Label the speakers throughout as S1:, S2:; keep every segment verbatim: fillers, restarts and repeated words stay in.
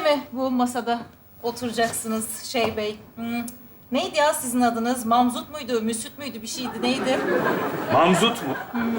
S1: mi bu masada oturacaksınız şey bey? Hmm. Neydi ya sizin adınız? Mamzut muydu, Müsüt müydü? Bir şeydi, neydi?
S2: Mamzut mu?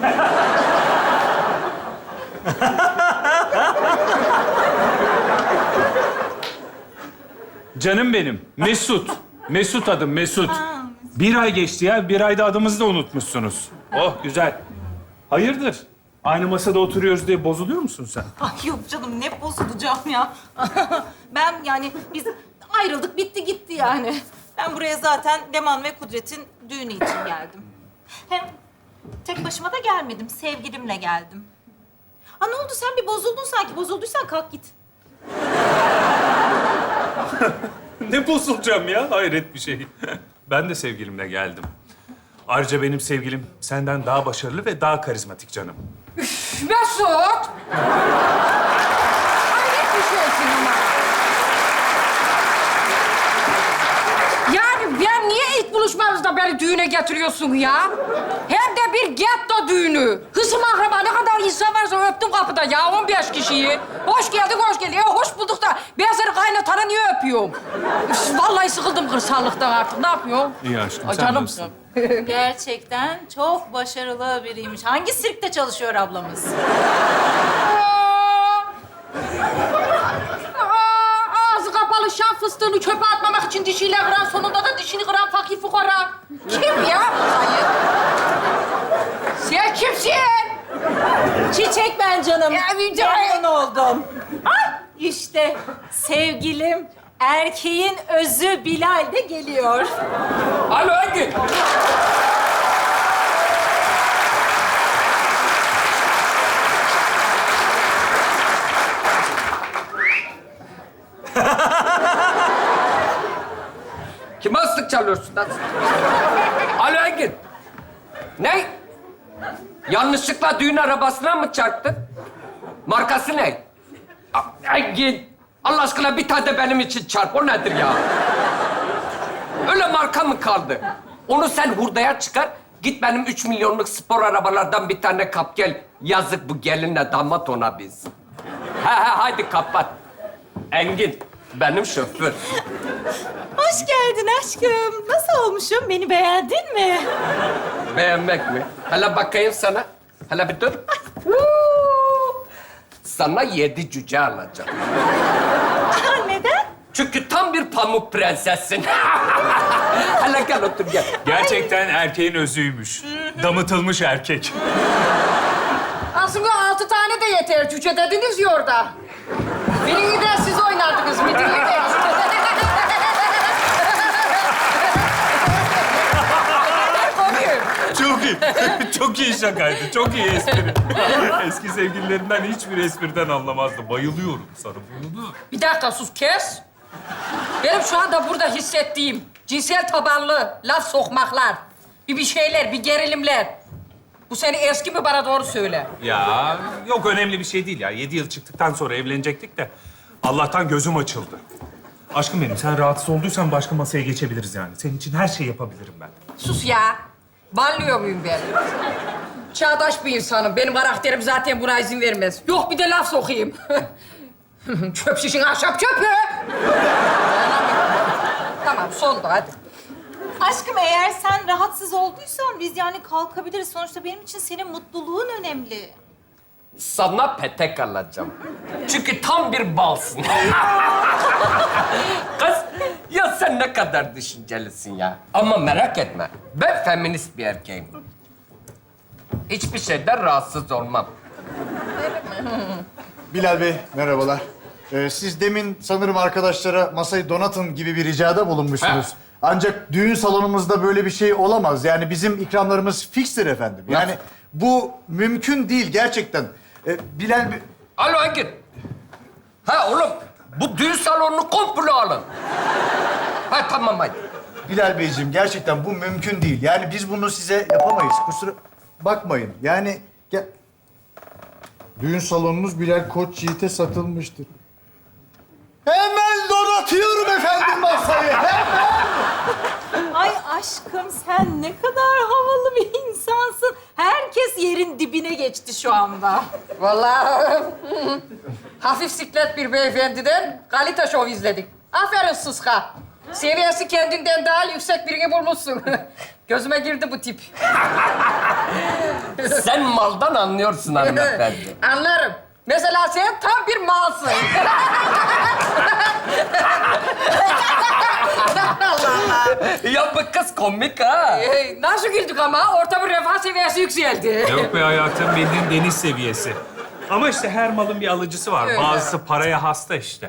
S2: Canım benim. Mesut. Mesut adım, Mesut. Bir ay geçti ya. Bir ayda adımızı da unutmuşsunuz. Oh, güzel. Hayırdır? Aynı masada oturuyoruz diye bozuluyor musun sen?
S1: Ay yok canım, ne bozulacağım ya. Ben yani biz ayrıldık, bitti gitti yani. Ben buraya zaten Leman ve Kudret'in düğünü için geldim. Hem tek başıma da gelmedim, sevgilimle geldim. Ha ne oldu, sen bir bozuldun sanki. Bozulduysan kalk git.
S2: Ne bozulacağım ya? Hayret bir şey. Ben de sevgilimle geldim. Ayrıca benim sevgilim senden daha başarılı ve daha karizmatik canım.
S3: Mesut! Hayret bir şeysin ama. Yani ben niye ilk buluşmamızda beni düğüne getiriyorsun ya? Hem de bir getto düğünü. Hısım akraba ne kadar insan varsa öptüm kapıda ya on beş kişiyi. Hoş geldin, hoş geldin. E, hoş bulduk da ben seni kaynatana niye öpüyorum? Üf, vallahi sıkıldım kırsallıktan artık. Ne yapıyorsun?
S2: İyi aşkım,
S3: Ay,
S2: sen
S3: canımsın.
S2: nasılsın?
S1: Gerçekten çok başarılı biriymiş. Hangi sirkte çalışıyor ablamız?
S3: Aa, ağzı kapalı şan fıstığını çöpe atmamak için dişiyle kıran, sonunda da dişini kıran fakir fukara. Kim ya? Hayır. Sen kimsin?
S1: Çiçek ben canım.
S3: Ya, bir-
S1: Memnun oldum. Ay, işte sevgilim, erkeğin özü Bilal de geliyor.
S3: Alo Engin.
S4: Kime ıslık çalıyorsun lan? Alo Engin. Ne? Yanlışlıkla düğün arabasına mı çarptın? Markası ne? A- Engin. Allah aşkına bir tane de benim için çarp. O nedir ya? Öyle marka mı kaldı? Onu sen hurdaya çıkar. Git benim üç milyonluk spor arabalardan bir tane kap gel. Yazık bu gelinle damat ona biz. He he haydi kapat. Engin benim şoför.
S1: Hoş geldin aşkım. Nasıl olmuşum? Beni beğendin mi?
S4: Beğenmek mi? Hele bakayım sana. Hele bir dur. Huu! Sana yedi cüce alacağım.
S1: Aa, neden?
S4: Çünkü tam bir pamuk prensessin. Hele gel otur gel.
S2: Gerçekten erkeğin özüymüş. Damıtılmış erkek.
S3: Aslında altı tane de yeter. Cüce dediniz ya orada. Birini de siz oynardınız. Bir dinleyin.
S2: Çok iyi. Çok iyi şakaydı. Çok iyi espri. Eski sevgililerimden hiçbir espriden anlamazdı. Bayılıyorum sana. Bunu.
S3: Bir dakika sus kes. Benim şu anda burada hissettiğim cinsel tabanlı laf sokmaklar, bir bir şeyler, bir gerilimler. Bu seni eski mi bana doğru söyle.
S2: Ya yok önemli bir şey değil ya. Yedi yıl çıktıktan sonra evlenecektik de Allah'tan gözüm açıldı. Aşkım benim, sen rahatsız olduysan başka masaya geçebiliriz yani. Senin için her şeyi yapabilirim ben.
S3: Sus ya. Banlıyor muyum ben? Çağdaş bir insanım. Benim karakterim zaten buna izin vermez. Yok bir de laf sokayım. Çöp şişin ahşap çöpü. Tamam sondu hadi.
S1: Aşkım eğer sen rahatsız olduysan biz yani kalkabiliriz. Sonuçta benim için senin mutluluğun önemli.
S4: Sana petek alacağım. Çünkü tam bir balsın. Kız, ya sen ne kadar düşüncelisin ya. Ama merak etme, ben feminist bir erkeğim. Hiçbir şeyden rahatsız olmam.
S5: Bilal Bey, merhabalar. Ee, siz demin sanırım arkadaşlara masayı donatın gibi bir ricada bulunmuşsunuz.
S4: Ha.
S5: Ancak düğün salonumuzda böyle bir şey olamaz. Yani bizim ikramlarımız fikstir efendim. Yani
S4: Nasıl?
S5: bu mümkün değil gerçekten. Ee, Bilal Bey...
S4: Alo Engin. Ha oğlum, bu düğün salonunu komple alın. Ha tamam hadi.
S5: Bilal Beyciğim gerçekten bu mümkün değil. Yani biz bunu size yapamayız. Kusura bakmayın. Yani gel... Düğün salonunuz Bilal Koç Yiğit'e satılmıştır. Hemen donatıyorum efendim masayı. Hemen.
S1: Ay aşkım sen ne kadar havalı bir insansın. Herkes yerin dibine geçti şu anda.
S3: Vallahi hafif siklet bir beyefendiden kalite şov izledik. Aferin Sıska. Seviyesi kendinden daha yüksek birini bulmuşsun. Gözüme girdi bu tip.
S4: Sen maldan anlıyorsun hanımefendi.
S3: Anlarım. Mesela sen tam bir malsın. Allah Allah.
S4: Ya bu kız komik ha.
S3: Ee, nasıl güldük ama? Ortamın refah seviyesi yükseldi.
S2: Yok be hayatım, bildiğin deniz seviyesi. Ama işte her malın bir alıcısı var.
S3: Öyle.
S2: Bazısı paraya hasta işte.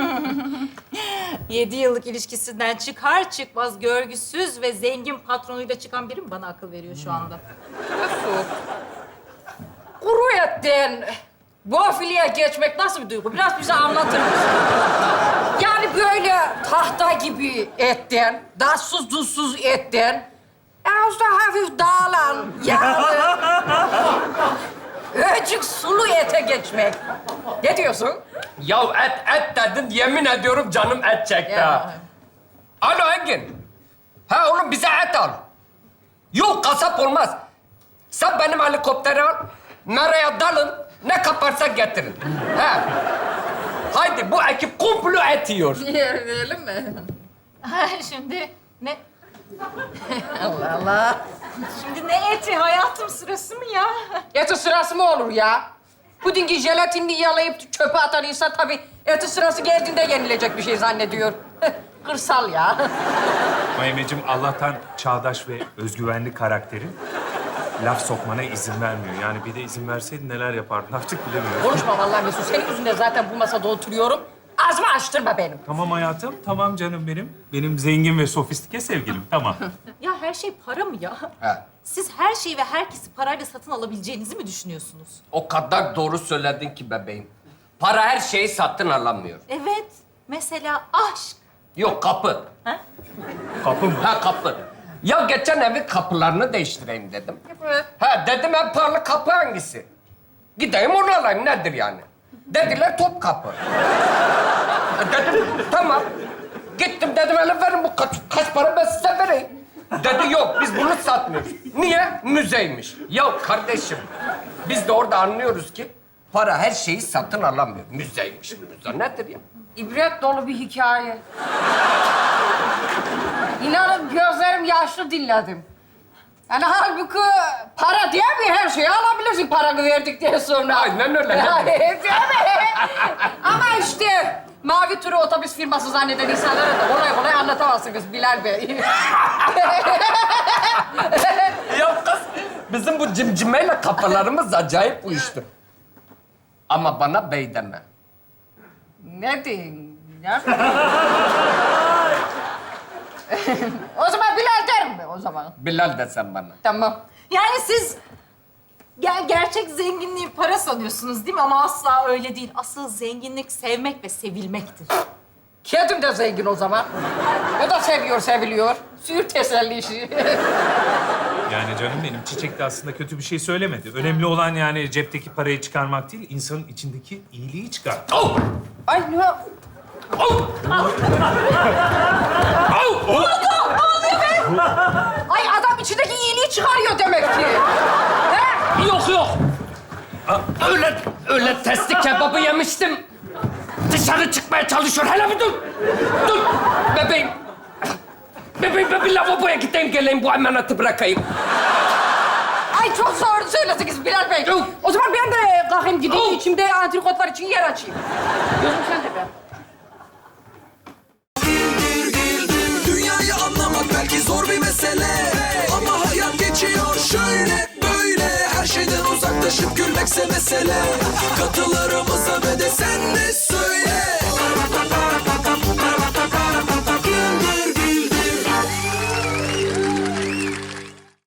S1: Yedi yıllık ilişkisinden çıkar çıkmaz görgüsüz ve zengin patronuyla çıkan biri mi bana akıl veriyor şu anda?
S3: Nasıl? Kuru etten bofiliye geçmek nasıl bir duygu? Biraz bize anlatır mısın? Yani böyle tahta gibi etten, tatsız tuzsuz etten, ağızda hafif dağılan, yağlı, öcük sulu ete geçmek. Ne diyorsun?
S4: Ya et et dedin, yemin ediyorum canım et çekti ha. Alo Engin. Ha oğlum bize et al. Yok kasap olmaz. Sen benim helikopteri al. Nereye dalın, ne kaparsa getirin. He. Haydi bu ekip komplo et yiyor.
S3: Yiyelim mi?
S1: Şimdi ne?
S3: Allah Allah.
S1: Şimdi ne eti hayatım, sırası mı ya?
S3: Eti sırası mı olur ya? Pudingi jelatinini yalayıp çöpe atan insan tabii eti sırası geldiğinde yenilecek bir şey zannediyor. Kırsal ya.
S2: Mayemeciğim, Allah'tan çağdaş ve özgüvenli karakterin laf sokmana izin vermiyor. Yani bir de izin verseydi neler yapardın artık bilemiyorum.
S3: Konuşma vallahi Mesut. Senin yüzünden zaten bu masada oturuyorum. Ağzımı açtırma benim.
S2: Tamam hayatım, tamam canım benim. Benim zengin ve sofistike sevgilim, tamam.
S1: Ya her şey para mı ya?
S4: He.
S1: Siz her şeyi ve herkesi parayla satın alabileceğinizi mi düşünüyorsunuz?
S4: O kadar doğru söyledin ki bebeğim. Para her şeyi satın alamıyor.
S1: Evet. Mesela aşk.
S4: Yok kapı.
S2: Kapı mı?
S4: Ha kapı. Ya geçen evin kapılarını değiştireyim dedim.
S3: Evet.
S4: Ha dedim en pahalı kapı hangisi? Gideyim onu alayım nedir yani? Dediler top kapı. Dedim tamam. Gittim dedim hele verin bu kaç, kaç para ben size vereyim. Dedi yok biz bunu satmıyoruz. Niye? Müzeymiş. Ya kardeşim biz de orada anlıyoruz ki para her şeyi satın alamıyor. Müzeymiş. Müze nedir ya?
S3: İbret dolu bir hikaye. İnanın gözlerim yaşlı dinledim. Yani halbuki para diye mi her şeyi alabilirsin paranı verdikten sonra?
S4: Aynen öyle.
S3: Yani, değil mi? Ama işte mavi turu otobüs firması zanneden insanlara da kolay kolay anlatamazsınız Bilal Bey.
S4: Ya kız, bizim bu cimcimeyle kafalarımız acayip uyuştu. Ama bana bey deme.
S3: Ne diyeyim? Ne? O zaman Bilal derim mi o zaman?
S4: Bilal desen bana.
S3: Tamam.
S1: Yani siz ger- gerçek zenginliği para sanıyorsunuz değil mi? Ama asla öyle değil. Asıl zenginlik sevmek ve sevilmektir.
S3: Kedim de zengin o zaman. O da seviyor, seviliyor. Sür teselli işi.
S2: Yani canım benim, Çiçek de aslında kötü bir şey söylemedi. Önemli olan yani cepteki parayı çıkarmak değil, insanın içindeki iyiliği çıkar.
S4: Oh!
S3: Ay ne?
S4: Oh! Oh!
S3: Ay adam içindeki iyiliği çıkarıyor demek ki. He?
S4: Yok yok. Aa, Öyle, öyle testi kebabı yemiştim. Dışarı çıkmaya çalışıyor. Hele bir dur. Dur. Bebeğim. Bebeğim ben bir lavaboya gideyim geleyim bu emaneti bırakayım.
S3: Ay çok doğru söylediniz Bilal Bey.
S4: Yok.
S3: O zaman ben de kalkayım gideyim.
S4: Yok.
S3: İçimde antrikotlar için yer açayım. Gözüm sende be.
S6: Dünyayı anlamak belki zor bir mesele, ama hayat geçiyor şöyle böyle. Her şeyden uzaklaşıp gülmekse mesele. Katılarımıza ve de sen de söyle.